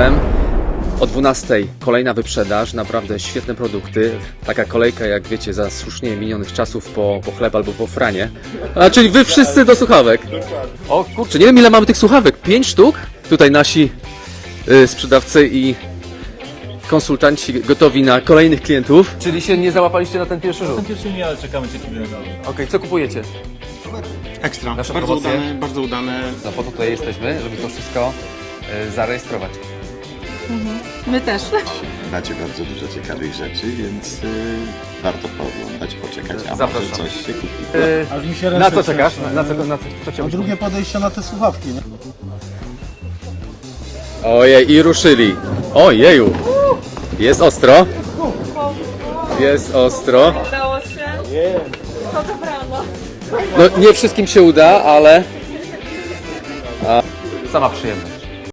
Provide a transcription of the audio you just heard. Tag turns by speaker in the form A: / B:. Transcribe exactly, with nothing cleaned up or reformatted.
A: F M. O dwunastej kolejna wyprzedaż, naprawdę świetne produkty. Taka kolejka, jak wiecie, za słusznie minionych czasów po, po chleb albo po franie. A czyli wy wszyscy do słuchawek. O kurczę, nie wiem ile mamy tych słuchawek. Pięć sztuk? Tutaj nasi y, sprzedawcy i konsultanci gotowi na kolejnych klientów. Czyli się nie załapaliście na ten pierwszy rzut?
B: Ten pierwszy nie, ale czekamy cierpliwie na dalej.
A: Okej, okay, co kupujecie?
C: Ekstra,
A: Nasze
C: bardzo
A: promocje?
C: udane, bardzo udane.
A: No po to tutaj jesteśmy, żeby to wszystko y, zarejestrować.
D: My też.
E: Macie bardzo dużo ciekawych rzeczy, więc y, warto pooglądać, poczekać, a
A: Zapraszam.
E: może coś się kupi.
A: Y,
B: Aż mi się
A: na
B: ręce
A: co czekasz?
B: trzęsą.
A: Na, na, co, na co, co cię
B: A drugie podejście na te słuchawki, nie?
A: Ojej, i ruszyli. Ojeju. Jest ostro. Jest ostro.
D: Udało się. To dobrano.
A: No nie wszystkim się uda, ale... A, sama przyjemność.